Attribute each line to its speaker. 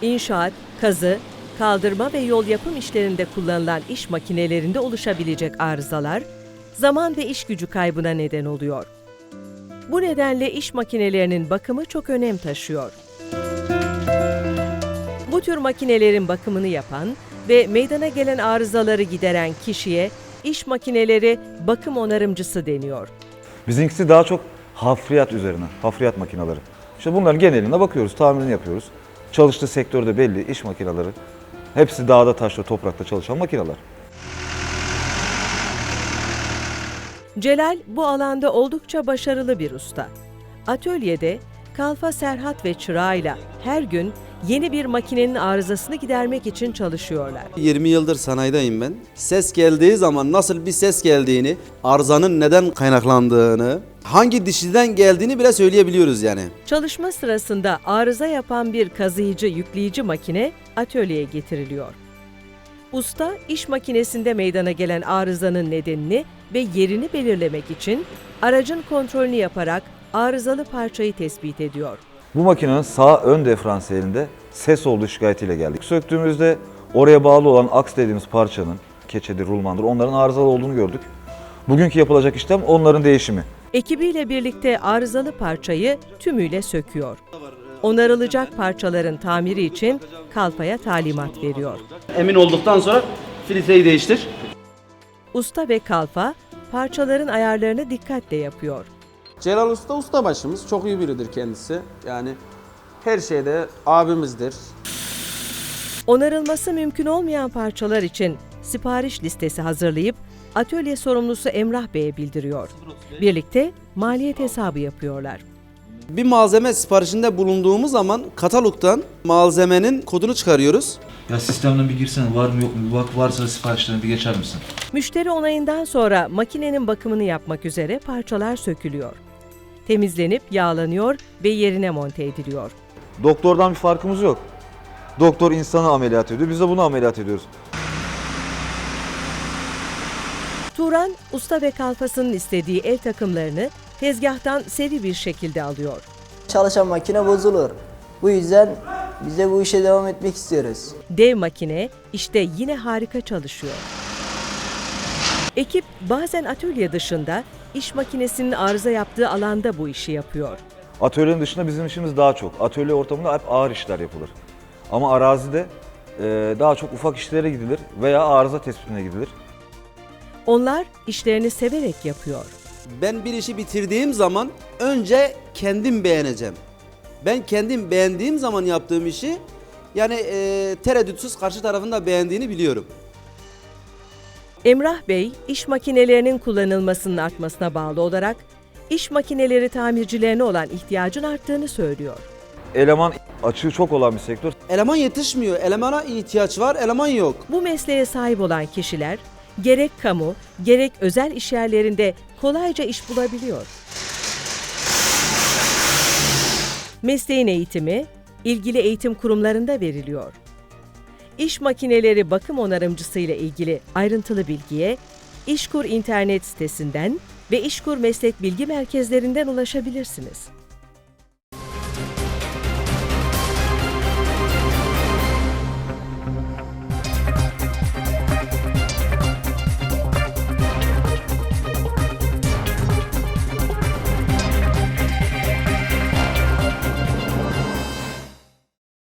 Speaker 1: İnşaat, kazı, kaldırma ve yol yapım işlerinde kullanılan iş makinelerinde oluşabilecek arızalar, zaman ve iş gücü kaybına neden oluyor. Bu nedenle iş makinelerinin bakımı çok önem taşıyor. Bu tür makinelerin bakımını yapan ve meydana gelen arızaları gideren kişiye iş makineleri bakım onarımcısı deniyor.
Speaker 2: Bizimkisi daha çok hafriyat üzerine, hafriyat makineleri. İşte bunların geneline bakıyoruz, tamirini yapıyoruz. Çalıştığı sektörde belli, iş makineleri. Hepsi dağda, taşta, toprakta çalışan makineler.
Speaker 1: Celal bu alanda oldukça başarılı bir usta. Atölyede Kalfa Serhat ve çırağıyla her gün yeni bir makinenin arızasını gidermek için çalışıyorlar.
Speaker 3: 20 yıldır sanayideyim ben. Ses geldiği zaman nasıl bir ses geldiğini, arızanın neden kaynaklandığını, hangi dişliden geldiğini bile söyleyebiliyoruz yani.
Speaker 1: Çalışma sırasında arıza yapan bir kazıyıcı yükleyici makine atölyeye getiriliyor. Usta, iş makinesinde meydana gelen arızanın nedenini ve yerini belirlemek için aracın kontrolünü yaparak arızalı parçayı tespit ediyor.
Speaker 2: Bu makinenin sağ ön diferansiyelinde ses olduğu şikayetiyle geldik. Söktüğümüzde oraya bağlı olan aks dediğimiz parçanın, keçedir, rulmandır, onların arızalı olduğunu gördük. Bugünkü yapılacak işlem onların değişimi.
Speaker 1: Ekibiyle birlikte arızalı parçayı tümüyle söküyor. Onarılacak parçaların tamiri için Kalfa'ya talimat veriyor.
Speaker 3: Emin olduktan sonra filtreyi değiştir.
Speaker 1: Usta ve Kalfa parçaların ayarlarını dikkatle yapıyor.
Speaker 4: Celal Usta ustabaşımız, çok iyi biridir kendisi. Yani her şeyde abimizdir.
Speaker 1: Onarılması mümkün olmayan parçalar için sipariş listesi hazırlayıp atölye sorumlusu Emrah Bey'e bildiriyor. Birlikte maliyet hesabı yapıyorlar.
Speaker 3: Bir malzeme siparişinde bulunduğumuz zaman katalogdan malzemenin kodunu çıkarıyoruz.
Speaker 5: Ya sistemden bir girsene, var mı yok mu? Bir bak, varsa siparişlerini bir geçer misin?
Speaker 1: Müşteri onayından sonra makinenin bakımını yapmak üzere parçalar sökülüyor. Temizlenip yağlanıyor ve yerine monte ediliyor.
Speaker 2: Doktordan bir farkımız yok. Doktor insanı ameliyat ediyor, biz de bunu ameliyat ediyoruz.
Speaker 1: Turan, usta ve kalfasının istediği el takımlarını tezgahtan seri bir şekilde alıyor.
Speaker 6: Çalışan makine bozulur. Bu yüzden biz de bu işe devam etmek istiyoruz.
Speaker 1: Dev makine işte yine harika çalışıyor. Ekip bazen atölye dışında iş makinesinin arıza yaptığı alanda bu işi yapıyor.
Speaker 2: Atölyenin dışında bizim işimiz daha çok. Atölye ortamında hep ağır işler yapılır. Ama arazide daha çok ufak işlere gidilir veya arıza tespitine gidilir.
Speaker 1: Onlar işlerini severek yapıyor.
Speaker 3: Ben bir işi bitirdiğim zaman önce kendim beğeneceğim. Ben kendim beğendiğim zaman yaptığım işi yani tereddütsüz karşı tarafın da beğendiğini biliyorum.
Speaker 1: Emrah Bey, iş makinelerinin kullanılmasının artmasına bağlı olarak iş makineleri tamircilerine olan ihtiyacın arttığını söylüyor.
Speaker 2: Eleman açığı çok olan bir sektör.
Speaker 3: Eleman yetişmiyor, elemana ihtiyaç var, eleman yok.
Speaker 1: Bu mesleğe sahip olan kişiler gerek kamu, gerek özel işyerlerinde kolayca iş bulabiliyor. Mesleğin eğitimi, ilgili eğitim kurumlarında veriliyor. İş makineleri bakım onarımcısı ile ilgili ayrıntılı bilgiye İşkur internet sitesinden ve İşkur meslek bilgi merkezlerinden ulaşabilirsiniz.